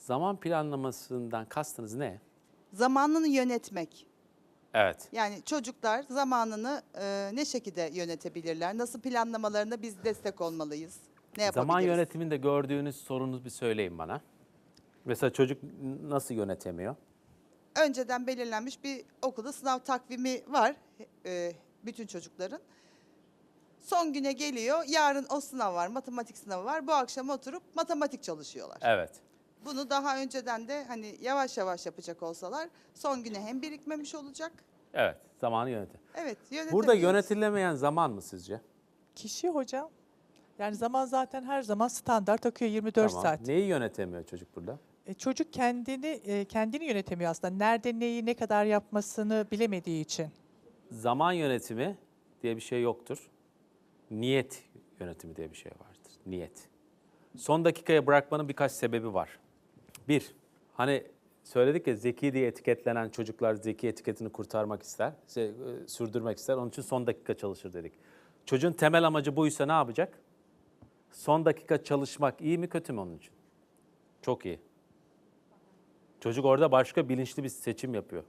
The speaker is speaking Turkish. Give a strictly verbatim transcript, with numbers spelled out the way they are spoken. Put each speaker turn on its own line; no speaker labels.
Zaman planlamasından kastınız ne?
Zamanını yönetmek.
Evet.
Yani çocuklar zamanını e, ne şekilde yönetebilirler? Nasıl planlamalarına biz destek olmalıyız? Ne yapabiliriz?
Zaman yönetiminde gördüğünüz sorunu bir söyleyin bana. Mesela çocuk nasıl yönetemiyor?
Önceden belirlenmiş bir okulda sınav takvimi var e, bütün çocukların. Son güne geliyor, yarın o sınav var, matematik sınavı var. Bu akşam oturup matematik çalışıyorlar.
Evet.
Bunu daha önceden de hani yavaş yavaş yapacak olsalar son güne hem birikmemiş olacak.
Evet. Zamanı yönetim.
Evet,
Burada
yönetebiliyoruz.
yönetilemeyen zaman mı sizce?
Kişi hocam. Yani zaman zaten her zaman standart akıyor yirmi dört
Tamam.
saat.
Neyi yönetemiyor çocuk burada?
E, çocuk kendini e, kendini yönetemiyor aslında. Nerede neyi ne kadar yapmasını bilemediği için.
Zaman yönetimi diye bir şey yoktur. Niyet yönetimi diye bir şey vardır. Niyet. Son dakikaya bırakmanın birkaç sebebi var. Bir, hani söyledik ya zeki diye etiketlenen çocuklar zeki etiketini kurtarmak ister, şey, e, sürdürmek ister. Onun için son dakika çalışır dedik. Çocuğun temel amacı buysa ne yapacak? Son dakika çalışmak iyi mi kötü mü onun için? Çok iyi. Çocuk orada başka bilinçli bir seçim yapıyor.